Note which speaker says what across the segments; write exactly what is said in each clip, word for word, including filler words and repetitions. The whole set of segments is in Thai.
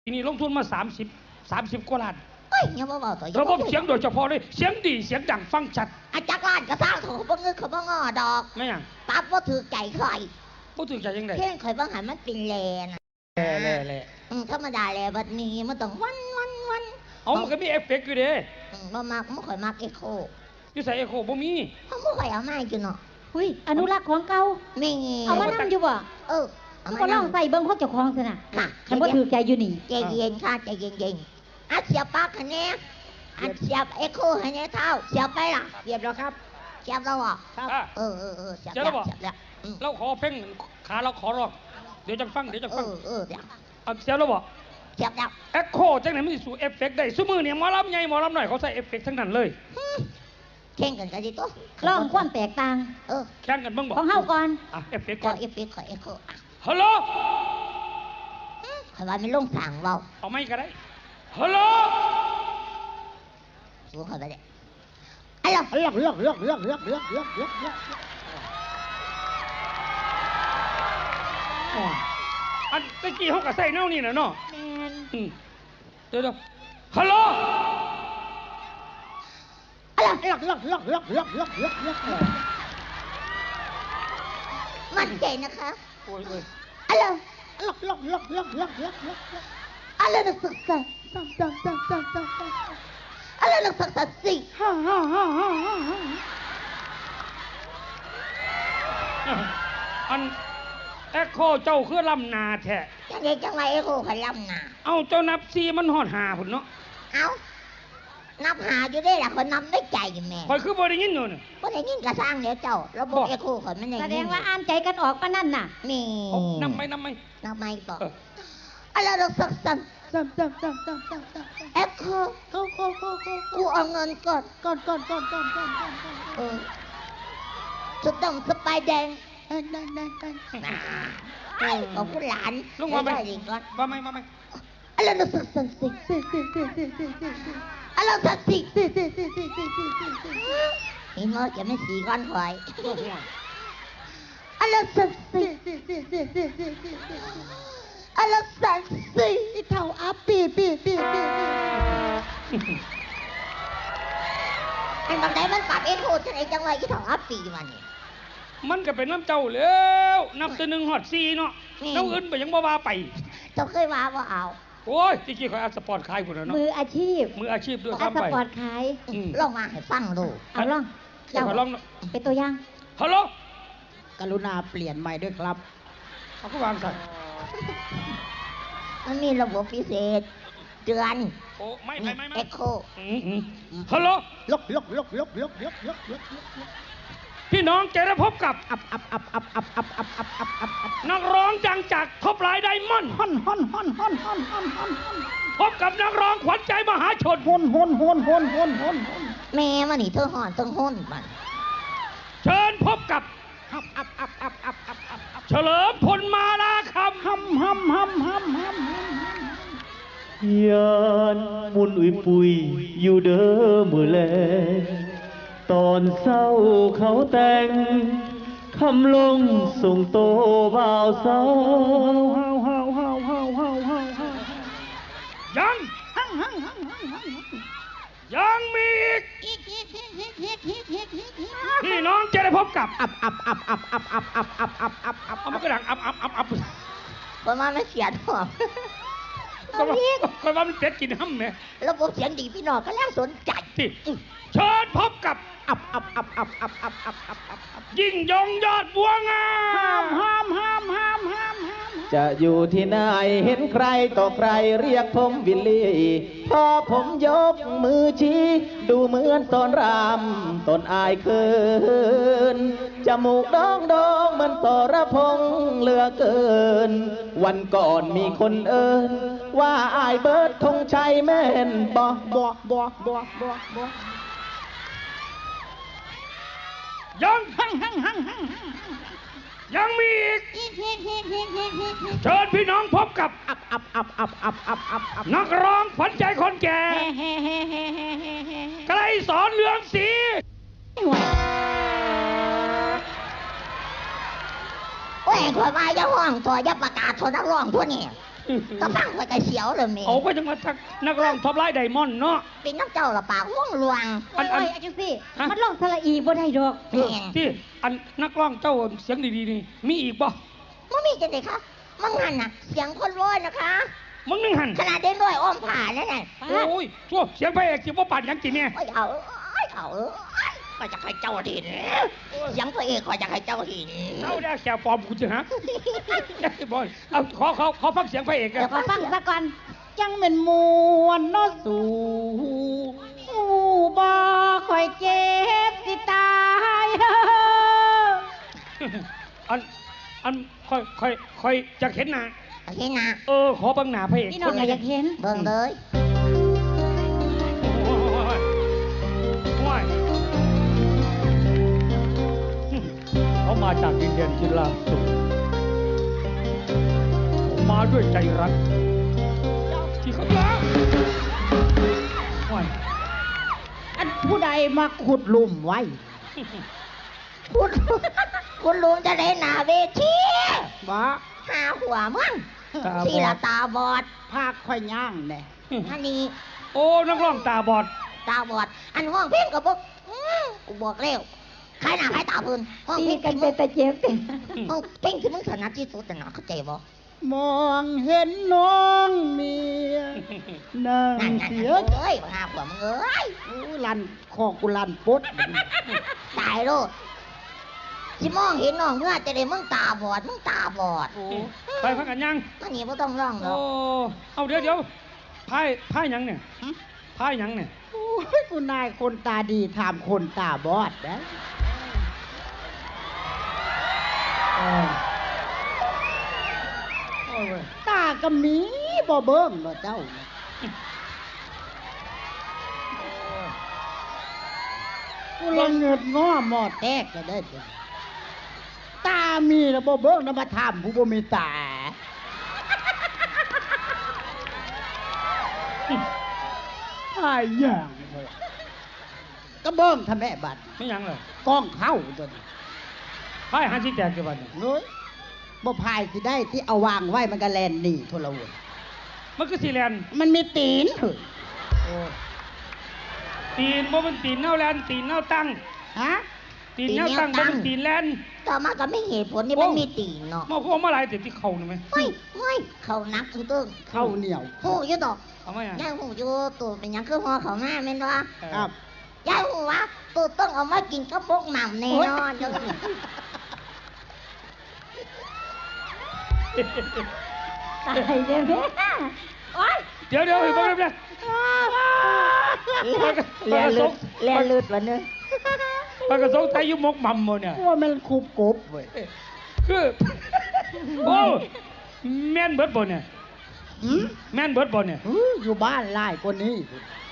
Speaker 1: ทีนี้ลงทุนมาสามสิบสามสิบกว่าล้าน
Speaker 2: เฮ้ยยังบ่เบาต่อ
Speaker 1: ระบบเสียงโดยเฉพาะเลยเสียงดีเสียงดังฟังชัด
Speaker 2: อาจักรล้านกระซ่างเขาบ่เงินเขาบ่งอดอก
Speaker 1: ไม่ยัง
Speaker 2: ปั๊บว่าถือใจใคร
Speaker 1: บ่ถือใจยังไง
Speaker 2: เพ่งข่อยบ่หันมันเป็นแลน่ะ
Speaker 1: แล่แล่แล่
Speaker 2: ธรรมดาแลบัดนี้มันต้องวันวันวัน
Speaker 1: เอามันก็มีเอฟเฟกต์อยู่เด้
Speaker 2: บ่มักบ่ค่อยมักเอโค
Speaker 1: อยู่ใส่เอโคบ่มี
Speaker 2: เขาบ่ค่อยเอามาอยู่เนาะ
Speaker 3: หุ้ยอนุรักษ์ของเก่า
Speaker 2: แม่
Speaker 3: เอามานั่งอยู่บ่
Speaker 2: เออ
Speaker 3: เอามาลองใส่เบิ่งของเจ้าของซิน่ะคันบ่ถือใจอยู่นี่
Speaker 2: ใจเย็นค่ะใจเย็นๆอ่ะเสียบปากคั่นแน่อ่ะเสียบเอโคให้แน่เท่าเสียบไปล่ะ
Speaker 4: เสียบแล้วครับ
Speaker 2: เสียบแล้วอ่ะ
Speaker 1: ครับ
Speaker 2: เออเออเออเสียบ
Speaker 1: แล้ว
Speaker 2: เสียบแล้ว
Speaker 1: เราขอเพ่งขาเราขอร้องเดี๋ยวจะฟังเดี๋ยวจะฟัง
Speaker 2: เออเออเสียบ
Speaker 1: เอาเสียบแล้วบ่
Speaker 2: เสียบแล้ว
Speaker 1: เอ็กโคจังไหนมันสิสู่เอฟเฟกต์ได้ซุมื้อเนี่ยหมอลำใหญ่หมอลำน้อยเขาใส่เอฟเฟกต์ทั้งนั้นเลย
Speaker 2: แข่งกันกันสิตัว
Speaker 3: ลองความแตกต่าง
Speaker 2: เออ
Speaker 1: แข่งกันบ้างบ่
Speaker 3: ของเฮาก่อน
Speaker 1: อ่ะเอฟเฟกต์ก่อน
Speaker 2: เอฟเฟกต์ขอเอโค
Speaker 1: ฮัลโหล
Speaker 2: ขอว่าไม่ลงสั่งเว้า
Speaker 1: เอาไม่ก็ได้ฮัลโหล
Speaker 2: สูงเข้าไปเลยฮัลโหล
Speaker 4: เลือกเลือกเลือกเลือกเลือกเลือกเลือกเลือกเลือก
Speaker 1: อันตะกี้เขาก็ใส่แนวนี่น่ะเนาะ
Speaker 3: แม่น
Speaker 1: เดี๋ยวๆฮัลโหล
Speaker 4: เลือกเลือกเลือกเลือกเลือกเลือกเลือกเลือกเลือก
Speaker 2: มั่นใจนะคะ
Speaker 1: โอ้ยเอ้ย
Speaker 2: ฮัลโหล
Speaker 4: เลือกเลือกเลือกเลือกเลือกเลือกเลือก
Speaker 2: อะไรนักศึกษา
Speaker 4: ตั้งตั้งตั้งตั้งตั้งตั้ง
Speaker 2: อะไรนักศึกษาสิ
Speaker 4: ฮ่าฮ่าฮ่าฮ่าฮ่า
Speaker 1: อันเอ็กโคเจ้าคือลำนาแท้
Speaker 2: จังไงจังไงเอ็กโคขลำนา
Speaker 1: เอาเจ้านับซีมันหอดหาพุ่นเนาะ
Speaker 2: เอานับหาอยู่ได้ล่ะคนนับได้ใจแม่
Speaker 1: คอยคือบ่ได้ยินอยู่น่ะ
Speaker 2: บ่ได้ยินกระสร้างเดี๋ยวเจ้าระบบเอ็กโคข่อยมันได้ยิน
Speaker 3: แสดงว่าอ่านใจกันออกปานนั้นน่ะ
Speaker 2: นี่
Speaker 1: นับไหมนับไหม
Speaker 2: นับไหมต่ออะไรนักศึกษา
Speaker 4: ตั้งตั้งตั้งตั้งตั้งตั้ง
Speaker 2: เอ็กโค
Speaker 4: โอ้โอ้โอ้โอ้
Speaker 2: กูเอาเงินก่อน
Speaker 4: ก่อนก่อนก่อนก่อนก่อนก่อนก่อน
Speaker 2: เออสุดดำสไปแดง
Speaker 4: ได้ได้ได้
Speaker 2: ได้ของผู้หลาน
Speaker 1: ลุงมาไหม
Speaker 2: ก่อน
Speaker 1: มาไหมมาไหม
Speaker 2: อะไรนักศึกษาสิสิสิสิสิสิสิสิอะไรนักศึกษาสิสิสิสิสิสิสิสิสินี่มันจะไม่สีก้อนหอยอะไรนักศึกษาสิสิสิสิสิสิสิอะไรนักศึกษาสิ
Speaker 4: เท่าอัพปีปีปีปี
Speaker 2: ไอ้บางไหนมันปรับเอ็นโหดจะไหนจังเลยที่เท่าอัพปีมันนี่
Speaker 1: มันก็เป็นน้ำเจ้าแล้วนับตัวหนึ่งหอดซีเนาะน้ำอื่นไปยังบ่ว่าไป
Speaker 2: เจ้าเคยว่าว่าเอา
Speaker 1: โอ้ยที่กี้คอยอัดสปอร์ตขายพุ่นเนาะ
Speaker 3: มืออาชีพ
Speaker 1: มืออาชีพด้วย
Speaker 3: ครับไปอัดสปอร์ตขาย
Speaker 2: ลองมาให้ฟังดู
Speaker 3: เอาลอง
Speaker 1: เจ้าลอง
Speaker 3: เป็นตัวอย่าง
Speaker 1: ฮัลโหล
Speaker 4: กรุณาเปลี่ยนใหม่ด้วยครับ
Speaker 1: เขาก็วางใส่
Speaker 2: มันมีระบบพิเศษเดือน
Speaker 1: โอ้ไม่ไม่ไม่
Speaker 2: เอ็กโค
Speaker 1: ฮัลโหล
Speaker 4: ลกลกลกลกลกลกลกลกลก
Speaker 1: พี่น้องจะได้พบกับ
Speaker 4: อับอับอับอับอับอับอับอับอับอับอับ
Speaker 1: นักร้องดังจากท็อปไลน์ไดมอนด์
Speaker 4: ฮอนฮอนฮอนฮอนฮอนฮอนฮอน
Speaker 1: พบกับนักร้องขวัญใจมหาชน
Speaker 4: ฮอนฮอนฮอนฮอนฮอนฮอน
Speaker 2: แม่มันนี่เธอหอนต้องห้นมัน
Speaker 1: เชิญพบกับ
Speaker 4: อับอับอับอับอับอับอับอับ
Speaker 1: เฉลิมพลมาลาคำ
Speaker 4: ฮัมฮัมฮัมฮัมฮัม
Speaker 5: ยานมุนอุยปุยอยู่เด้อมือแลตอนเศร้าเขาแต่งคำลงส่งโตบ่าวสาว
Speaker 1: ยังยังมีอีกพี่น้องจะได้พบกับ
Speaker 4: อับอับอับอับอับอับอับอับอับอับอับ
Speaker 1: เอามันกระดังอับอับอับอับ
Speaker 2: ประมาณไม่เสียดหรอก
Speaker 1: ก็ว่ามันเป็ดกินห้ำเนี่ย
Speaker 2: ระบบเสียงดีพี่น้องก็แล้วสนใจ
Speaker 1: เชิญพบกับ
Speaker 4: อับอับอับอับอับอับอับอับอับอับ
Speaker 1: ยิ่งยงยอดบัวงาม
Speaker 4: ห้ามห้ามห้ามห้ามห้าม
Speaker 5: จะอยู่ที่ไหนเห็นใครต่อใครเรียกผมวิลลี่พอผมยกมือชี้ดูเหมือนตอนรำตนอายเคินจมูกดองดองมันต่อระพงเหลือเกินวันก่อนมีคนเอิญว่าอายเบิร์ดธงชัยแม่นบ่บ่บ่บ่บ่บ่
Speaker 1: ยังหังหังหังหังยังมีอีกเชิญพี่น้องพบกับ
Speaker 4: อับอับอับอับอับอับอับอับ
Speaker 1: นักร้องขวัญใจคนแก่ไกลสอนเรืองศรี
Speaker 2: โอ้ยขอมาอย่าห้องตัวอย่าประกาศตัวนักร้องตัวนี้ก็ฟังไปกระเสียวเลยแม่
Speaker 1: เอาไปจังมาทักนักร้องท็อปไลน์ไดมอนด์เนาะ
Speaker 2: เป็นน้ำเจ้าละปากว่องลวง
Speaker 1: อันอัน
Speaker 3: โอ้ยจังสิมันลองสระอีบ่ได้ดอก
Speaker 2: แม่น
Speaker 1: ที่อันนักร้องเจ้าเสียงดีๆนี่มีอีกบ่
Speaker 2: ไม่มีจังเลยคะมังหันน่ะ เสียงคนร้อยนะคะ
Speaker 1: มึงนึงหัน
Speaker 2: ขนาดเด่นร้อยอ้อมผ่าแล้วน่ะ
Speaker 1: โอ้ยชั่วเสียงพระเอกสิบ่ปานหยังกินเนี่ย
Speaker 2: โอ้ยเอาโอ้ยเอาก็จะให้เจ้าหินเสียงพระเอกก็จะให้เจ้าหิน
Speaker 1: เอาได้แกปลอมกูจะฮะบอยเอาขอขอขอฟังเสียงพระเอกกั
Speaker 3: เดี๋ย
Speaker 1: น
Speaker 3: วขอฟังซะก่อน
Speaker 4: จังเป็นมวนเนาะสู่หูบ่ค่อยเจ็บสิตาย
Speaker 1: อันอันค่อยค่อยค่อยจะเห็นหน้า
Speaker 2: โอเคนะ
Speaker 1: เออขอเบังหน้าพระเอก
Speaker 3: พี่น้องก็อยากเห็น
Speaker 2: เบิ่งเลย
Speaker 1: โอ้ยโอ้ยเขามาจากดินแดนจิราสุขมาด้วยใจรักที่เขารักโอ้ย
Speaker 4: อันผู้ใดมาขุดหลุมไว้
Speaker 2: คุณคุณลุงจะได้หน้าเวที
Speaker 4: บ่
Speaker 2: หาหัวมึง
Speaker 1: ตาบอด
Speaker 2: สีละตาบอด
Speaker 4: ภาคค่อยย่างแน่
Speaker 2: อันนี้
Speaker 1: โอ้นักร้องตาบอด
Speaker 2: ตาบอด อันห้องเพลงกับพวกกูบอกเร็วใครหน้าใครตาพื้นห้อง
Speaker 3: ตี
Speaker 2: เพลง
Speaker 3: กัน
Speaker 2: ที่
Speaker 3: เป็
Speaker 2: มึ
Speaker 3: น
Speaker 2: ง
Speaker 3: ตะเจ็บเป็น
Speaker 2: ห้องเพลงที่มึงถนัดที่สุดน่ะเข้าใจบ่
Speaker 4: มองเห็นน้องเมียนั่ง
Speaker 2: นั่นนั่น
Speaker 4: เสีย
Speaker 2: เอ้ยหาหัวมึงเอ้ย
Speaker 4: อู้ลันคอกุลันปด
Speaker 2: ตายโลดสิมองเห็นน้องเมื่อจะได้มึงตาบอดมึงตาบอด
Speaker 1: ไปพักกันยัง
Speaker 2: อันนี้บ่ต้องร้องหร
Speaker 1: โอ้
Speaker 2: อก
Speaker 1: เอาเดี๋ยวเดี๋ยวพายพายหยังเนี่ยพายหยังเนี่ย
Speaker 4: โอ้ยคุณนายคนตาดีถามคนตาบอดนะ
Speaker 1: โอ้ยโอ้ยเว้ย
Speaker 4: ตากำมีบ่เบิ่งเนาะเจ้ากูลองเงิดง้อหมอแตกก็ได้เด้อตามีแล้วบ่เบิ่งนะมาถามผู้บ่มีตาหายอย่างเลยก็เบิ่งทำแม่บัด
Speaker 1: ไม่หยังเลย
Speaker 4: กล้องเข้าตัวนี้
Speaker 1: พายหาที่แตกกี่วันเนี่ย
Speaker 4: เฮ้ยบ่พายสิได้ที่เอาวางไว้มันก็แลนหนีโทรวน
Speaker 1: มันคือสีแลนด์
Speaker 4: มันมีตีนเฮ้ย
Speaker 1: โอ้ตีนบ่เป็นตีนเน่าแลนด์ตีนเน่าตั้ง
Speaker 4: ฮะ
Speaker 1: ตีนเน่าตั้งบ่เป็นตีนแลนด์
Speaker 2: ต่อมาก็ไม่เหตุผลนี่มันมีตีนเนาะ
Speaker 1: มาพวกมาหลายแต่ที่เขาหน่อยไหม
Speaker 2: เฮ้ยเฮ้ยเขานักตึ้งตึ้ง
Speaker 4: เข้าเหนียว
Speaker 2: หูอยู่ดอก
Speaker 1: เอาไหมอ่ะ
Speaker 2: ยายหูอยู่ตัวเป็นหยังคือหอเขามาแม่นบ่
Speaker 4: ครับ
Speaker 2: ยายหูว่าตัวต้องเอามากินกระปกหม่ำแน่นอนเด้อ
Speaker 3: ตายเด้อแม่โอ๊ย
Speaker 1: เดี๋ยวเดี๋ยวเฮ้ยบ่ได้เลย
Speaker 2: แลนลึดแลนลึดวันนึง
Speaker 1: มันก็สงสัยอยู่หมกหม่ำหมดเนี่ย
Speaker 4: ว่ามันคูบกบเว้ย
Speaker 1: คือโอ้แม่นเบิดบ่เนี่ย
Speaker 4: หืม
Speaker 1: แม่นเบิดบ่เนี่ย
Speaker 4: อื้ออยู่บ้านหลายคนนี้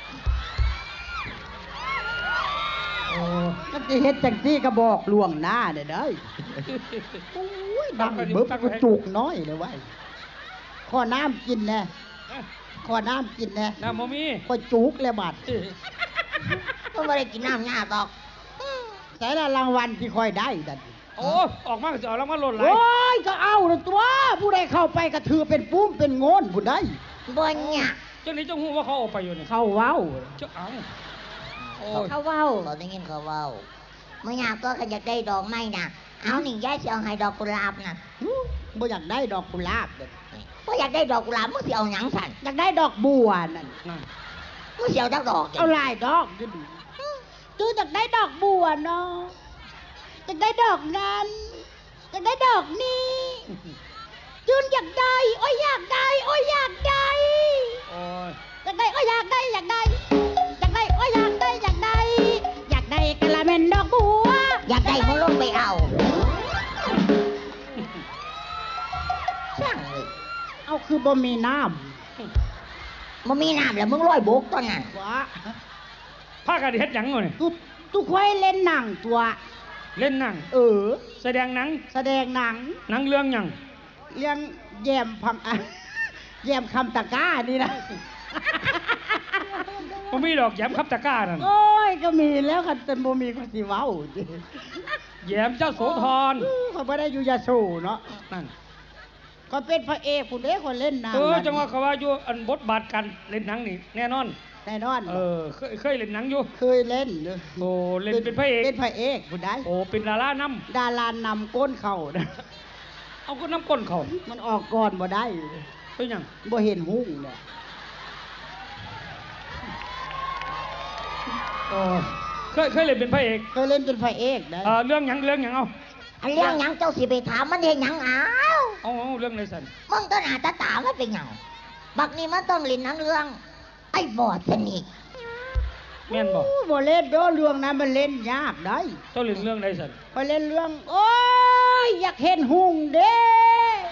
Speaker 1: โอ้
Speaker 4: ก็จะเฮ็ดจังซี่ก็บอกล่วงหน้าเด้อเด้อโอ้ยดังเบิบกูจุกน้อยเลยเว้ยขอน้ำกินแน่ขอน้ำกินแน่
Speaker 1: น้ำบ่มี
Speaker 4: ก็จุกเลยบัด
Speaker 2: ก็ไม่ได้กินน้ำหน้าดอก
Speaker 4: แต่ละรางวัลที่ค่อยได้ดัน
Speaker 1: โอ้ออกมาก็จะเอาแล้วมาหล่นไหล
Speaker 4: โอ้ยก็เอาละตัว ผู้ใดเข้าไปก็ถือเป็นปุ้มเป็นโงนผู้ใด
Speaker 2: บ่เนี่ย
Speaker 1: เจ้านี้เจ้าหูว่าเขาเออกไปอยู่เนี่ย
Speaker 4: เข้าเว้า
Speaker 1: เจ้าเอาโอ้ย
Speaker 3: เขาเว้า
Speaker 2: เราได้ยินเขาเว้าเมื่อยามก็ขยักได้ดอกไม้น่ะเอานี่ยายสิเอาให้ดอกกุหลาบน่ะ
Speaker 4: หูบ่อยากได้ดอกกุหลาบเด้อ
Speaker 2: บ่อยากได้ดอกกุหลาบมึงสิเอาหยังสั่น
Speaker 4: อยากได้ดอกบัวนั่น
Speaker 1: นั่น
Speaker 2: มึงสิเอาจักดอก
Speaker 4: เอาหลายดอกดูดิจูอยากได้ดอกบัวเนาะอยากได้ดอกนั้นอยากได้ดอกนี้จูนอยากได้โอ้ยอยากได้โอ้ยอยากได้
Speaker 1: โอ้ย
Speaker 4: อยากได้โอ้ยอยากได้อยากได้อยากได้โอ้ยอยากได้อยากได้อยากได้กะละเม็นดอกบัว
Speaker 2: อยากได้มึงลงไปเอาช่างเลย
Speaker 4: เอาคือบ่มีน้
Speaker 2: มันมีน้ำแล้วมึงลอยบกตอนนั้น
Speaker 4: ำวะ
Speaker 1: พากันเฮ็ดหยังวะเนี่ย
Speaker 4: ตุตุค่อยเล่นหนังตัว
Speaker 1: เล่นหนัง
Speaker 4: เออ
Speaker 1: แสดงหนัง
Speaker 4: แสดงหนัง
Speaker 1: หนังเรื่องหยัง
Speaker 4: เรื่องแยมพังอ่ะแยมคำตะกร้านี่นะ
Speaker 1: บ่มีดอกแย้มครับตะกร้านั่น
Speaker 4: โอ้ยก็มีแล้วกันแต่บ่มีก็สิเว้าจิ
Speaker 1: แย้มเจ้าโสธร
Speaker 4: เขาบ่ได้อยู่ยาโสเนาะ
Speaker 1: นั่น
Speaker 4: ก็เป็นพระเอกผู้เด็กคนเล่นหนัง
Speaker 1: เออจังหวะเขาว่าอยู่อันบทบาทกันเล่นหนังนี่แน่นอน
Speaker 4: แน่นอน
Speaker 1: เออเคยเคยเล่นหนังอยู่
Speaker 4: เคยเล่นเลย
Speaker 1: โอ้เล่นเป็นพระเอก
Speaker 4: เป็นพระเอกผู้ใด
Speaker 1: โอ้เป็นดาราน
Speaker 4: ดารานำก้นเข่านะ
Speaker 1: ำเอาก็น้ำก้นเขา
Speaker 4: มันออกก่อนบ่ได้
Speaker 1: เป็นหยัง
Speaker 4: บ่เห็นหุ้งเลย
Speaker 1: โอ้เคยเคยเล่นเป็นพระเอก
Speaker 4: เคยเล่นเป็นพระเอกนะ
Speaker 1: เออเรื่องหยังเรื่องหยังเอา
Speaker 2: อันเรื่องหยังเจ้าสิไปถามมันเห็นหยังอ้าว
Speaker 1: เอาเอาเรื่องในสัน
Speaker 2: มึงต้นหาตาตามันเป็นหยังบักนี้มันต้องเลินหนังเรื่อง ไอ้บอดสนิท
Speaker 1: แม่นบอก
Speaker 4: อู้บ่เล่นโดเรื่องนั้นมันเล่นยากได้
Speaker 1: เจ้าเล่นเรื่องในสัน
Speaker 4: พอเล่นเรื่อง โอ้ยอยากเห็นหุ้งเด้